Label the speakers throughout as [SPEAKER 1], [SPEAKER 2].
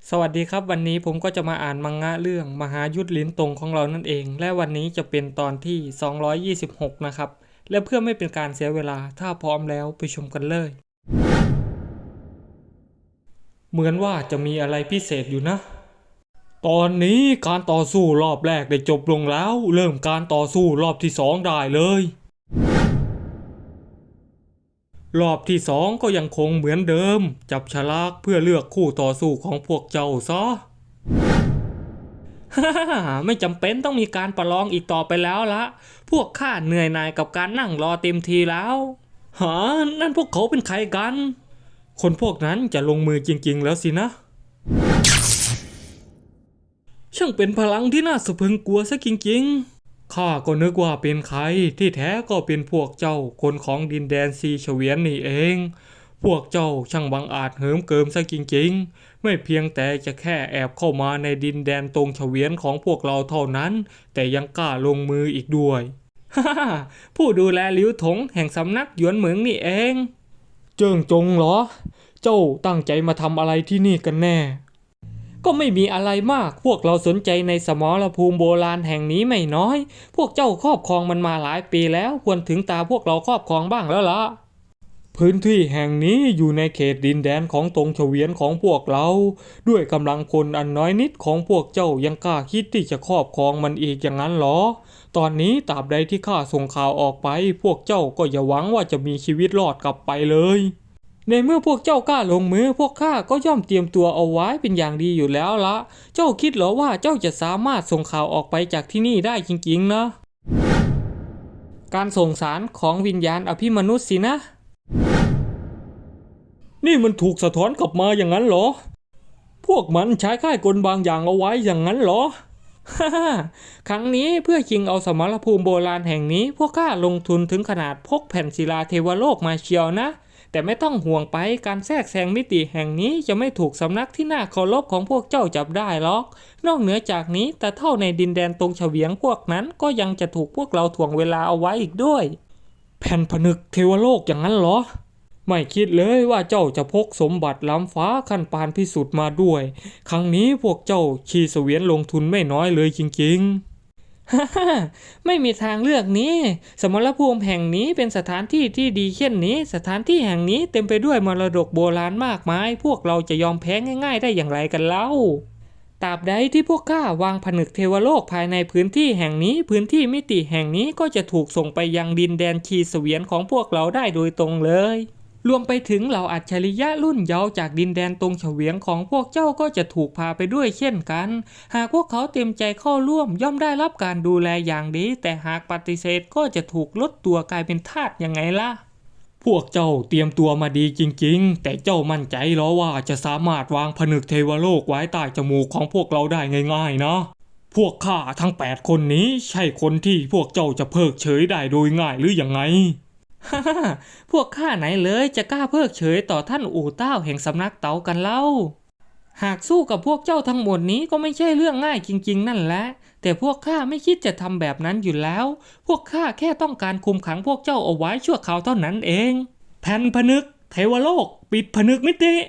[SPEAKER 1] สวัสดีครับวันนี้ผมก็จะมาอ่านมังงะเรื่องมหายุทธลิ้นตงของเรานั่นเองและวันนี้จะเป็นตอนที่226นะครับและเพื่อไม่เป็นการเสียเวลาถ้าพร้อมแล้วไปชมกันเลยเหมือนว่าจะมีอะไรพิเศษอยู่นะตอนนี้การต่อสู้รอบแรกได้จบลงแล้วเริ่มการต่อสู้รอบที่2ได้เลยรอบที่2ก็ยังคงเหมือนเดิมจับฉลากเพื่อเลือกคู่ต่อสู้ของพวกเจ้าซะ ไม่จำเป็นต้องมีการประลองอีกต่อไปแล้วละพวกข้าเหนื่อยหน่ายกับการนั่งรอเต็มทีแล้วหานั่นพวกเขาเป็นใครกันคนพวกนั้นจะลงมือจริงๆแล้วสินะช่างเป็นพลังที่น่าสะพรึงกลัวซะจริงๆข้าก็นึกว่าเป็นใครที่แท้ก็เป็นพวกเจ้าคนของดินแดนซีเฉวียนนี่เองพวกเจ้าช่างบังอาจเหิมเกิมซะจริงๆไม่เพียงแต่จะแค่แอบเข้ามาในดินแดนตรงเฉวียนของพวกเราเท่านั้นแต่ยังกล้าลงมืออีกด้วย ผู้ดูแลลิ้วถงแห่งสำนักหยวนเหมิงนี่เองเจิ้งจงเหรอเจ้าตั้งใจมาทำอะไรที่นี่กันแน่ก็ไม่มีอะไรมากพวกเราสนใจในสมรภูมิโบราณแห่งนี้ไม่น้อยพวกเจ้าครอบครองมันมาหลายปีแล้วควรถึงตาพวกเราครอบครองบ้างแล้วล่ะพื้นที่แห่งนี้อยู่ในเขตดินแดนของตรงเฉวียนของพวกเราด้วยกำลังคนอันน้อยนิดของพวกเจ้ายังกล้าคิดที่จะครอบครองมันอีกอย่างนั้นหรอตอนนี้ตราบใดที่ข้าส่งข่าวออกไปพวกเจ้าก็อย่าหวังว่าจะมีชีวิตรอดกลับไปเลยในเมื่อพวกเจ้ากล้าลงมือพวกข้าก็ย่อมเตรียมตัวเอาไว้เป็นอย่างดีอยู่แล้วละเจ้าคิดเหรอว่าเจ้าจะสามารถส่งข่าวออกไปจากที่นี่ได้จริงๆนะการส่งสารของวิญญาณอภิมนุษย์สินะนี่มันถูกสะท้อนกลับมาอย่างนั้นเหรอพวกมันใช้ค่ายกลบางอย่างเอาไว้อย่างนั้นเหรอ ครั้งนี้เพื่อชิงเอาสมรภูมิโบราณแห่งนี้พวกข้าลงทุนถึงขนาดพกแผ่นศิลาเทวโลกมาเชียวนะแต่ไม่ต้องห่วงไปการแทรกแซงมิติแห่งนี้จะไม่ถูกสำนักที่น่าเคารพของพวกเจ้าจับได้หรอกนอกเหนือจากนี้แต่เท่าในดินแดนตรงเฉวียงพวกนั้นก็ยังจะถูกพวกเราถ่วงเวลาเอาไว้อีกด้วยแผ่นผนึกเทวโลกอย่างนั้นเหรอไม่คิดเลยว่าเจ้าจะพกสมบัติล้ำฟ้าขั้นปานพิสุทธิ์มาด้วยครั้งนี้พวกเจ้าชีเสวียนลงทุนไม่น้อยเลยจริงๆ ไม่มีทางเลือกนี้สมรภูมิแห่งนี้เป็นสถานที่ที่ดีเช่นนี้สถานที่แห่งนี้เต็มไปด้วยมรดกโบราณมากมายพวกเราจะยอมแพ้ง่ายๆได้อย่างไรกันเล่าตราบใดที่พวกข้าวางผนึกเทวโลกภายในพื้นที่แห่งนี้พื้นที่มิติแห่งนี้ก็จะถูกส่งไปยังดินแดนชีเสวียนของพวกเราได้โดยตรงเลยรวมไปถึงเหล่าอัจฉริยะรุ่นเยาว์จากดินแดนตรงเฉวียงของพวกเจ้าก็จะถูกพาไปด้วยเช่นกันหากพวกเขาเต็มใจเข้าร่วมย่อมได้รับการดูแลอย่างดีแต่หากปฏิเสธก็จะถูกลดตัวกลายเป็นทาสยังไงล่ะพวกเจ้าเตรียมตัวมาดีจริงๆแต่เจ้ามั่นใจหรอว่าจะสามารถวางผนึกเทวโลกไว้ใต้จมูกของพวกเราได้ง่ายๆนะพวกข้าทั้ง8คนนี้ใช่คนที่พวกเจ้าจะเพิกเฉยได้โดยง่ายหรือยังไง พวกข้าไหนเลยจะกล้าเพิกเฉยต่อท่านอู่เต้าแห่งสำนักเต๋ากันเล่าหากสู้กับพวกเจ้าทั้งหมดนี้ก็ไม่ใช่เรื่องง่ายจริงๆนั่นแหละแต่พวกข้าไม่คิดจะทำแบบนั้นอยู่แล้วพวกข้าแค่ต้องการคุมขังพวกเจ้าเอาไว้ชั่วคราวเท่านั้นเองแผ่นผนึกเทวโลกปิดผนึกมิติ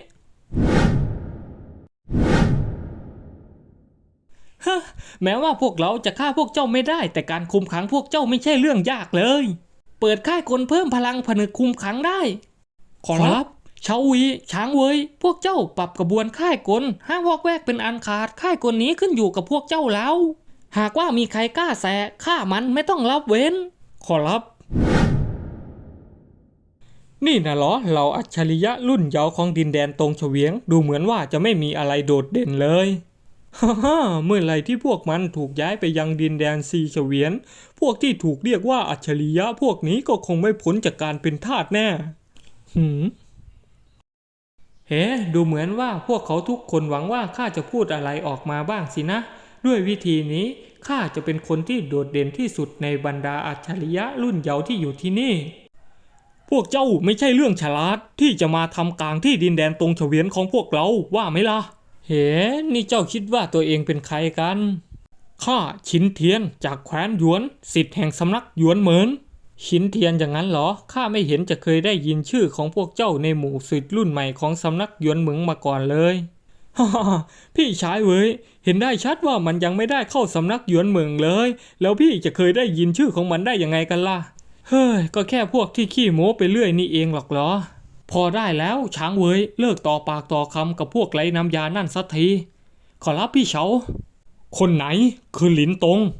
[SPEAKER 1] ฮะแม้ว่าพวกเราจะฆ่าพวกเจ้าไม่ได้แต่การคุมขังพวกเจ้าไม่ใช่เรื่องยากเลยเปิดค่ายกลเพิ่มพลังผนึกคุมขังได้ขอรับเฉาวีช้างเวยพวกเจ้าปรับกระบวนค่ายกลห้ามวอกแวกเป็นอันขาดค่ายกลนี้ขึ้นอยู่กับพวกเจ้าแล้วหากว่ามีใครกล้าแสะฆ่ามันไม่ต้องรับเว้นขอรับนี่นะเหรอเราอัจฉริยะรุ่นเยาว์ของดินแดนตรงเฉวียงดูเหมือนว่าจะไม่มีอะไรโดดเด่นเลยฮ่าเมื่อไหร่ที่พวกมันถูกย้ายไปยังดินแดนซีเฉวียนพวกที่ถูกเรียกว่าอัจฉริยะพวกนี้ก็คงไม่พ้นจากการเป็นทาสแน่เฮ้ดูเหมือนว่าพวกเขาทุกคนหวังว่าข้าจะพูดอะไรออกมาบ้างสินะด้วยวิธีนี้ข้าจะเป็นคนที่โดดเด่นที่สุดในบรรดาอัจฉริยะรุ่นเยาว์ที่อยู่ที่นี่พวกเจ้าไม่ใช่เรื่องฉลาดที่จะมาทำกลางที่ดินแดนตรงเฉวียนของพวกเราว่าไหมล่ะเฮ้นี่เจ้าคิดว่าตัวเองเป็นใครกันข้าฉินเทียนจากแคว้นหยวนศิษย์แห่งสำนักหยวนเหมินฉินเทียนอย่างนั้นเหรอข้าไม่เห็นจะเคยได้ยินชื่อของพวกเจ้าในหมู่ศิษย์รุ่นใหม่ของสำนักหยวนเหมิงมาก่อนเลยฮ่าพี่ชายเว้ยเห็นได้ชัดว่ามันยังไม่ได้เข้าสำนักหยวนเหมิงเลยแล้วพี่จะเคยได้ยินชื่อของมันได้ยังไงกันล่ะเฮ้ยก็แค่พวกที่ขี้โม้ไปเรื่อยนี่เองหรอกเหรอพอได้แล้วช้างเว้ยเลิกต่อปากต่อคำกับพวกไร้น้ำยานั่นสักทีขอรับพี่เฉาคนไหนคือหลินตง